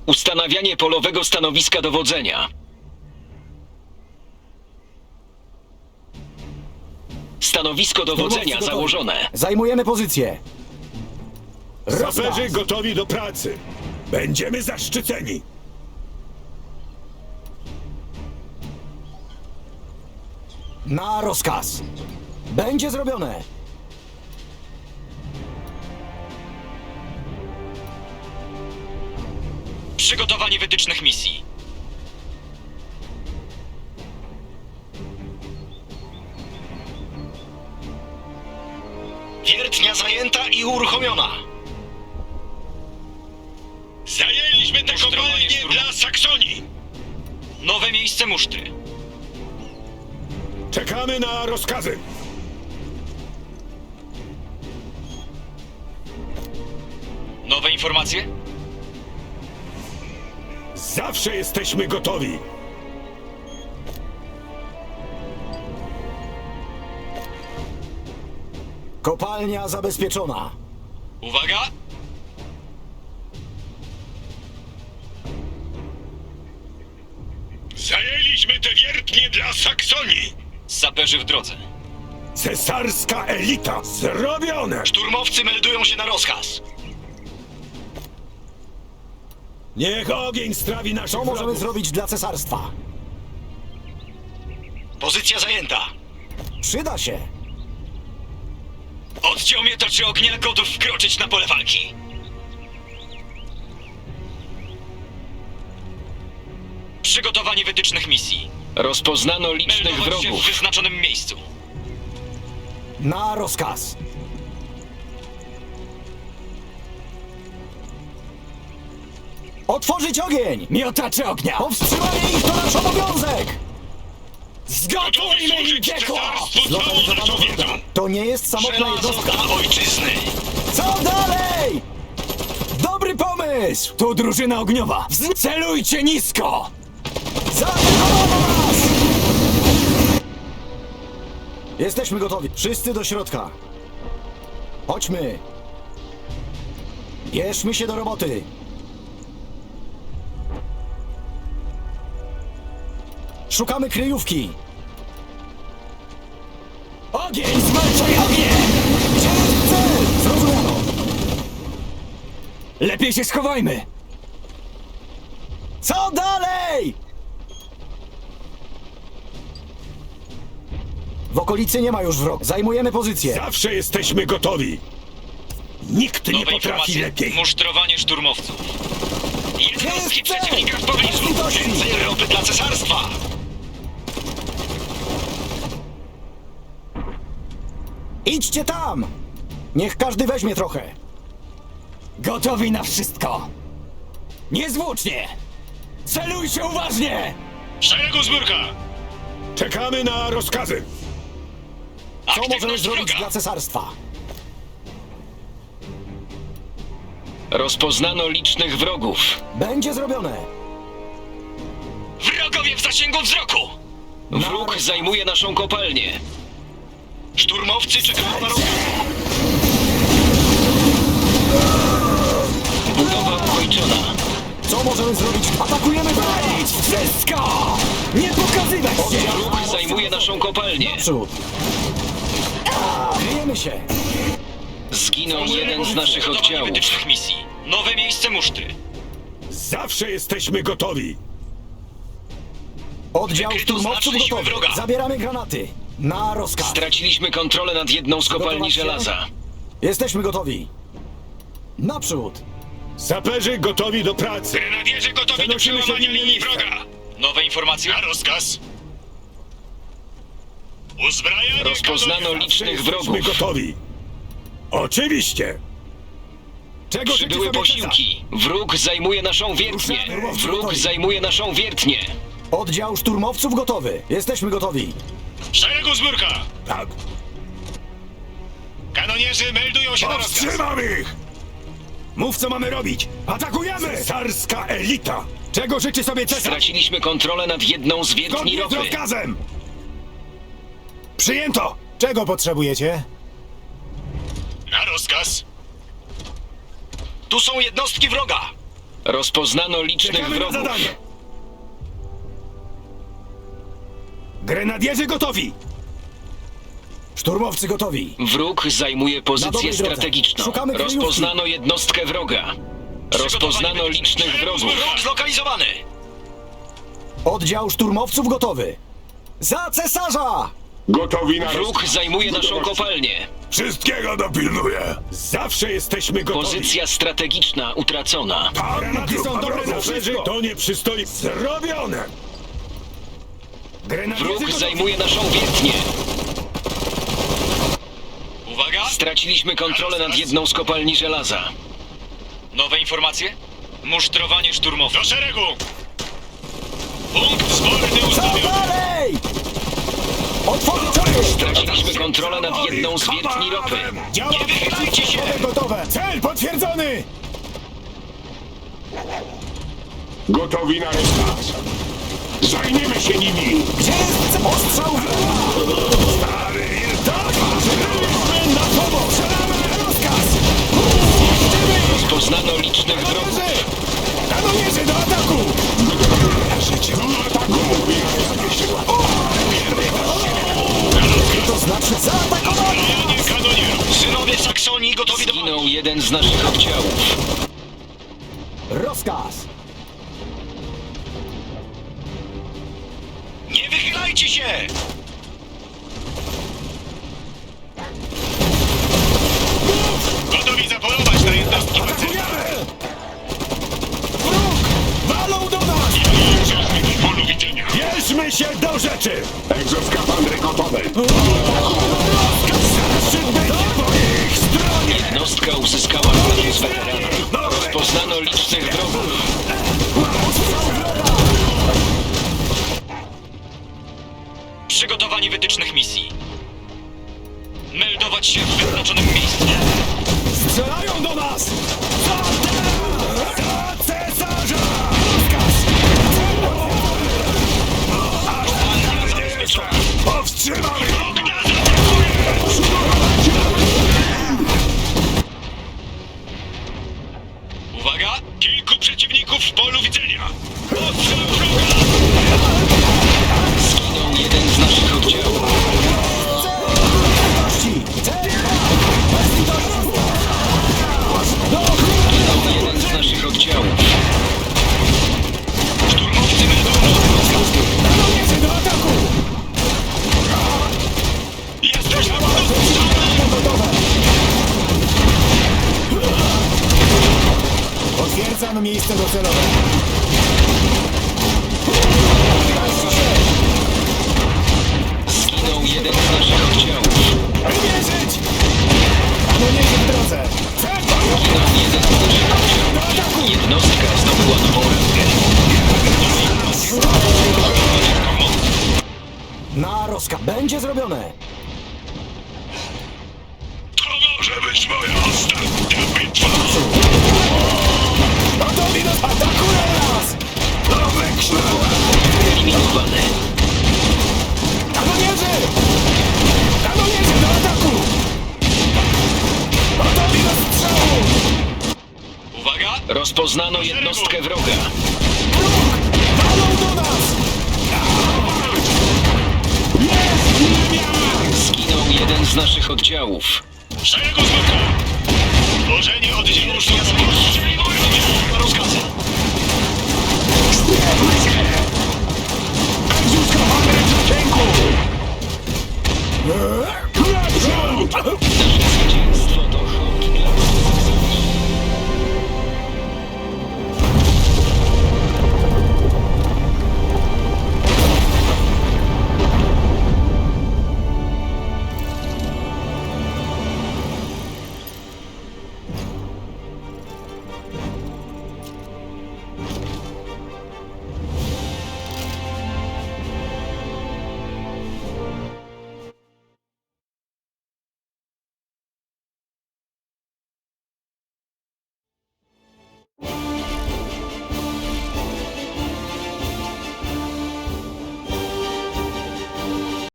Ustanawianie polowego stanowiska dowodzenia. Stanowisko dowodzenia założone. Zajmujemy pozycję. Saperzy gotowi do pracy. Będziemy zaszczyceni. Na rozkaz. Będzie zrobione. Przygotowanie wytycznych misji. Wiertnia zajęta i uruchomiona. Zajęliśmy tę kopalnię dla Saksonii. Nowe miejsce musztry. Czekamy na rozkazy. Nowe informacje? Zawsze jesteśmy gotowi. Kopalnia zabezpieczona. Uwaga! Zajęliśmy te wiertnie dla Saksonii. Saperzy w drodze. Cesarska elita. Zrobione. Szturmowcy meldują się na rozkaz. Niech ogień strawi naszych Co możemy wrogów. zrobić dla cesarstwa? Pozycja zajęta. Przyda się. Oddział miotaczy ognia gotów wkroczyć na pole walki. Przygotowanie wytycznych misji. Rozpoznano licznych wrogów w wyznaczonym miejscu. Na rozkaz. Otworzyć ogień! Miotacze ognia! Powstrzymanie ich to nasz obowiązek! Zgotujmy im piekło! Zlokalizowano wroga. To nie jest samotna jednostka. Żelazo ojczyzny. Co dalej? Dobry pomysł! Tu drużyna ogniowa! Celujcie nisko! Zaatakowano nas! Jesteśmy gotowi. Wszyscy do środka. Chodźmy. Bierzmy się do roboty. Szukamy kryjówki. Ogień! Zwalczaj ogień! Gdzie jest cel? Zrozumiano. Lepiej się schowajmy! Co dalej? W okolicy nie ma już wroga. Zajmujemy pozycję. Zawsze jesteśmy gotowi. Nikt nie potrafi lepiej. Musztrowanie szturmowców. Jednostki Jest cel! przeciwnika w pobliżu. Widoczny! Więcej ropy dla cesarstwa. Idźcie tam! Niech każdy weźmie trochę. Gotowi na wszystko! Niezwłocznie! Celujcie uważnie! Szeregu zbiórka. Czekamy na rozkazy. Co możemy Aktywność zrobić wroga. dla cesarstwa? Rozpoznano licznych wrogów. Będzie zrobione. Wrogowie w zasięgu wzroku. Wróg zajmuje naszą kopalnię. Szturmowcy czekają na rozkaz. Budowa ukończona. Co możemy zrobić? Atakujemy Palić wszystko! Nie pokazywać się! Wróg zajmuje naszą kopalnię. Przód. Kryjemy się. Zginął jeden z naszych oddziałów. Wytycznych misji. Nowe miejsce musztry. Zawsze jesteśmy gotowi. Oddział Wykryto szturmowców znaczne siły gotowy. wroga. Zabieramy granaty. Na rozkaz. Straciliśmy kontrolę nad jedną z kopalni Gotować się? żelaza. Jesteśmy gotowi. Naprzód. Saperzy gotowi do pracy. Grenadierze gotowi do przełamania linii wroga. Nowe informacje? Na rozkaz. Uzbrajanie Rozpoznano licznych Jesteśmy wrogów. gotowi. Oczywiście. Czego życzy Przybyły sobie posiłki. Wróg zajmuje naszą wiertnię. Wróg zajmuje naszą wiertnię. Oddział szturmowców gotowy. Jesteśmy gotowi. Szeregu zbiórka. Cesar? Tak. Kanonierzy meldują się Powstrzymam ich! Mów, co mamy robić. Atakujemy! Cesarska elita. Czego życzy sobie cesarz? Straciliśmy kontrolę nad jedną z wiertni Zgodnie z ropy. rozkazem! Przyjęto! Czego potrzebujecie? Na rozkaz. Tu są jednostki wroga. Rozpoznano licznych Czekamy na wrogów. zadanie! Grenadierzy gotowi! Szturmowcy gotowi. Wróg zajmuje Na pozycję dobrej drodze. strategiczną. Szukamy kryjówki. Rozpoznano jednostkę wroga. Rozpoznano licznych wrogów. Wróg zlokalizowany! Oddział szturmowców gotowy. Za cesarza! Gotowi na Wróg zajmuje naszą kopalnię. Wszystkiego dopilnuję! Zawsze jesteśmy gotowi! Pozycja strategiczna utracona. Granaty są dobre na wszystko! To nie przystoi! Zrobione! Grenadierzy Wróg gotowi! zajmuje naszą wiertnię. Uwaga! Straciliśmy kontrolę nad jedną z kopalni żelaza. Nowe informacje? Musztrowanie szturmowe. Do szeregu! Punkt zborny Za ustawiony! dalej! Otworzyć ogień! Straciliśmy kontrolę nad jedną z wiertni ropy. Działa Nie wychylajcie się! gotowe! Cel potwierdzony! Gotowi na rozkaz. Zajmiemy się nimi. Gdzie jest ostrzał wroga? Stary Byliśmy na pomoc! Strzelamy! Rozkaz! Rozpoznano licznych wrogów. Kanonierzy do ataku! To znaczy zaatakowano! Kanonierów! Synowie Saksonii gotowi do... Zginął jeden z naszych oddziałów. Rozkaz! Nie wychylajcie się! Gotowi zapolować na jednostki Atakujemy! Walą do nas! w polu widzenia. Bierzmy się do rzeczy! Egzoskafandry gotowe. Zaszczyt będzie po ich stronie! Jednostka uzyskała status weterana. Rozpoznano licznych wrogów. Przygotowanie wytycznych misji. Meldować się w wyznaczonym miejscu. Strzelają do nas! Za cesarza! Powstrzymamy! Uwaga! Kilku przeciwników w polu widzenia! Ostrzał wroga! Zginął jeden z naszych oddziałów. Zginął jeden z naszych oddziałów. Szturmowcy meldują! Kanonierzy do ataku! Jesteśmy pod ostrzałem! Potwierdzam miejsce docelowe. Zginął jeden z naszych oddziałów. Wymierzyć! Kanonierze w drodze! Zginął jeden z naszych oddziałów. Jednostka zdobyła nową rangę. Na rozkaz! Będzie zrobione! To może być moja ostatnia bitwa! Gotowi do... Atakują nas! Nowe kształty! Eliminowany. Kanonierzy! Kanonierzy do ataku! Gotowi do strzału! Uwaga! Rozpoznano jednostkę wroga. Walą do nas! Zginął jeden z naszych oddziałów. Szeregu z boku! Tworzenie oddziału szturmowego! Rozkazy! Egzoskafandry w zasięgu!